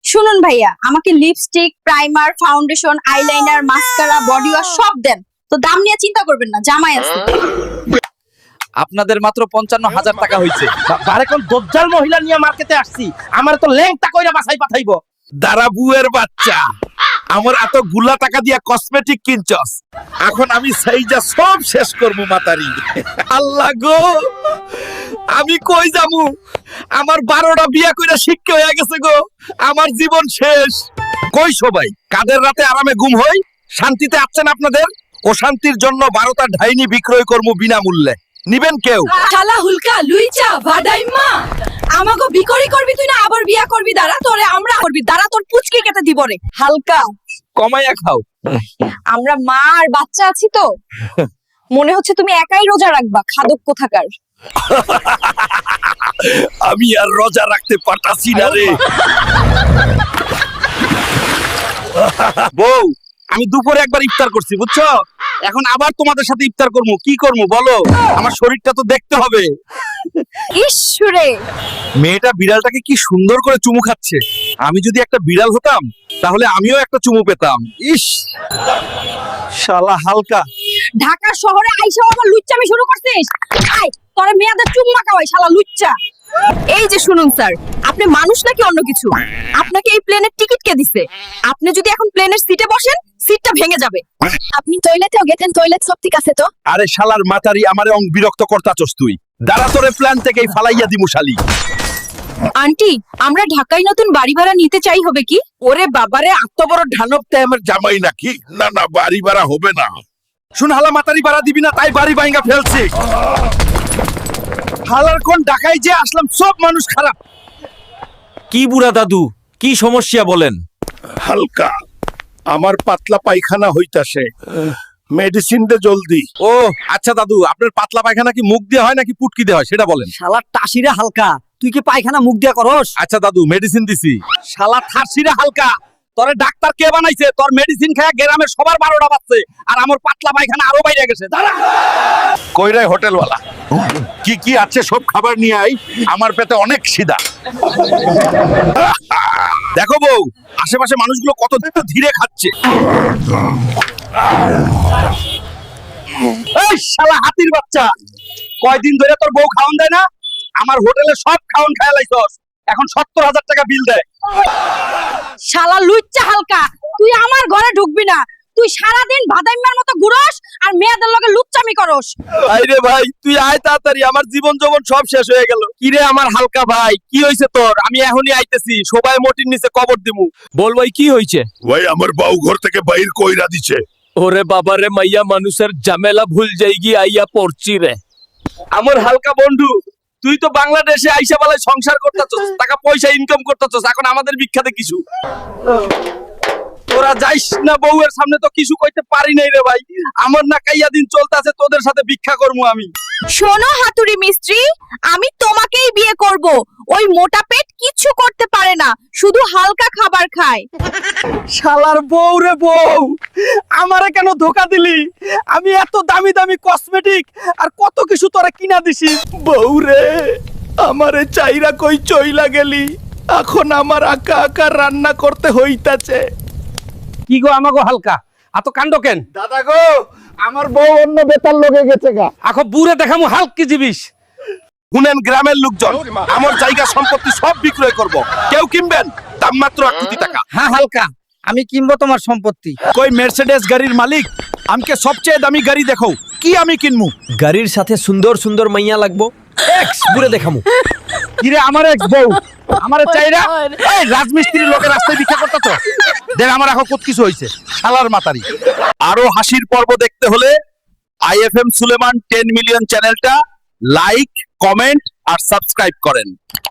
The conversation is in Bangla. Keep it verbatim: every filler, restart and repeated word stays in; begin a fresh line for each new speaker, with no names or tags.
শুনুন ভাইয়া, আমাকে lipstick, primer, foundation, eyeliner, mascara, body wash সব দেন। তো দাম নিয়ে চিন্তা করবেন না, জামাই আছে।
আপনাদের মাত্র পঞ্চান্ন হাজার টাকা হয়েছে।
বারে কোন দজ্জাল মহিলা নিয়ে মার্কেটে আসছি, আমার তো ল্যাংটা কইরা বাসাই পাঠাইবো।
দাঁড়া বুয়ের বাচ্চা, আমার এত গুলা টাকা দিয়া কসমেটিক কিনছস, এখন আমি সেইটা সব শেষ করবো মাতারি। আল্লাহ গো, আমি কই যামু? আমার বারোটা বিয়া কইরা শিক্ষা হয়ে গেছে গো, আমার জীবন শেষ। কই সবাই, কাদের রাতে আরামে ঘুম হই? শান্তিতে আছেন আপনাদের? অশান্তির জন্য বারোটা ঢাইনি বিক্রয় করবো বিনামূল্যে, নিবেন কেউ?
শালা হুলকা লুইচা ভাডাইমা, আমাগো বিকরি করবি তুই না আবার বিয়া করবি? দাঁড়া তোরে আমরা করবি, দাঁড়া তোর পুচকি কেটে দিব রে। হালকা
কমাইয়া খাও।
আমরা মা আর বাচ্চা আছি তো, মনে হচ্ছে তুমি একাই রোজা রাখবা, খাদক কোথাকার।
আমি আর রোজা রাখতে পারতাছি না রে।
বউ, আমি দুপুরে একবার ইফতার করছি বুঝছো, এখন আবার তোমাদের সাথে ইফতার করবো। কি করবো বলো, আমার শরীরটা তো দেখতে হবে।
ঈশ্বরে,
মেয়েটা বিড়ালটাকে কি সুন্দর করে চুমু খাচ্ছে। আমি যদি একটা বিড়াল হতাম তাহলে আমিও একটা চুমু পেতাম। ইস, শালা হালকা।
ঢাকা শহরে আইসা আবার লুচ্চামি শুরু করছিস? আয় তোরে মেয়াদের চুম্মা খাওয়াই শালা লুচ্চা। এই যে শুনুন স্যার, আপনি মানুষ নাকি অন্য কিছু? আপনাকে এই প্লেনের টিকিট কে দিছে? আপনি যদি এখন প্লেনের সিটে বসেন, সিটটা ভেঙে যাবে। আপনি টয়লেটেও গেছেন, টয়লেট সব ঠিক আছে তো?
আরে শালার মাতারি, আমারে অং বিরক্ত করতাছস তুই। দাঁড়া, তোরে প্ল্যান থেকেই ফালাইয়া দিমু শালি।
আন্টি, আমরা ঢাকায় নতুন বাড়ি ভাড়া নিতে চাই, হবে কি?
ওরে বাবারে, এত বড় ঢানব তে আমার
জামাই নাকি? না না, বাড়ি ভাড়া হবে না।
শুন হালা, মাতারি ভাড়া দিবি না তাই বাড়ি ভাঙা ফেলছি। হালার কোন ঢাকায় যে আসলাম, সব মানুষ খারাপ। কি বুড়া দাদু, কি সমস্যা বলেন?
হালকা, আমার পাতলা পায়খানা হইতাছে, মেডিসিন দে জলদি।
ও আচ্ছা দাদু, আপনার পাতলা পায়খানা কি মুখ দিয়ে হয় নাকি পুটকি দিয়ে হয় সেটা বলেন।
শালা টাসিরে হালকা, তুই কি পায়খানা মুখ দিয়া করস?
আচ্ছা দাদু, মেডিসিন দিছি। শালা থারসিরে হালকা, তোরে ডাক্তার কে বানাইছে? তোর মেডিসিন খায় গ্রামের সবার বারোটা বাজছে, আর আমার পাতলা পায়খানা আরো বাইরে গেছে। দাঁড়া।
কইরাই হোটেলওয়ালা, কি কি আছে সব খাবার নিয়ে আই, আমার পেটে অনেক খিদা।
দেখো বউ, আশেপাশে মানুষগুলো কত ধীরে খাচ্ছে। এই শালা হাতির বাচ্চা, কয়দিন ধরে তোর বউ খাওন দেয় না? আমার হোটেলে সব খাওন খায় লাইছস, এখন সত্তর হাজার টাকা বিল দেয়।
শালা লুচ্চা হালকা, তুই আমার ঘরে ঢুকবি না। তুই সারাদিন ভাদাইম্মার মতো ঘুরস আর মেয়েদের লগে লুচ্চামি করস।
আইরে ভাই, তুই আয় তাড়াতাড়ি, আমার জীবন যৌবন সব শেষ হয়ে গেল। কিরে আমার হালকা ভাই, কি হইছে তোর? আমি এখনই আইতেছি, সবাই মোটির নিচে কবর দিমু। বল ভাই, কি হইছে?
ভাই, আমার বউ ঘর থেকে বাইর কইরা দিছে।
ওরে বাবারে, মাইয়া মানুষের ঝামেলা ভুল যাইগি আইয়া পড়ছি রে।
আমার হালকা বন্ধু, তুই তো বাংলাদেশে আইসা বেলায় সংসার করতেছস, টাকা পয়সা ইনকাম করতেছস, এখন আমাদের বিখ্যাতে কিছু। তোরা যাইস না, বউয়ের সামনে তো কিছু কইতে পারি নাই রে ভাই। আমার না কাইয়া দিন চলতেছে, তোদের সাথে ভিক্ষা করবো আমি।
শোনো হাতুড়ি মিস্ত্রি, আমি তোমাকেই বিয়ে করব। ওই মোটা পেট কিচ্ছু করতে পারে না, শুধু হালকা খাবার খায়।
শালার বউ রে বউ, আমারে কেন ধোকা দিলি? আমি এত দামি দামি কসমেটিক আর কত কিছু তোরা কিনা দিছি। বউ রে, আমারে চাইরা কই চইলা গেলি, এখন আমার আকা আকা রান্না করতে হইতাছে। কি গো আমাগো হালকা, এত কাণ্ড কেন?
দাদা গো, আমার বউ অন্য বেতার লগে গেছে গা।
আখো বুড়ে দেখামু হালক কি জিবিস।
শুনেন গ্রামের লোকজন, আমার জায়গা সম্পত্তি সব বিক্রয় করব, কেউ কিনবেন? দাম মাত্র এক কোটি টাকা।
হ্যাঁ হালকা, আমি কিনবো তোমার সম্পত্তি।
কই মের্সিডিজ গাড়ির মালিক, আমাকে সবচেয়ে দামি গাড়ি দেখো, কি আমি কিনমু?
গাড়ির সাথে সুন্দর সুন্দর মাইয়া লাগবো, এক্স বুড়ে দেখামু।
কিরে আমার এক বউ, আমারে চাইরা এই রাজমিস্ত্রির লোকে রাস্তায় ভিক্ষা করতেছ? দেখ আমার এখন কত কিছু হইছে, শালার মাতারি।
আরো হাসির পর্ব দেখতে হলে আইএফএম সুলেমান টেন মিলিয়ন চ্যানেলটা লাইক, কমেন্ট আর সাবস্ক্রাইব করেন।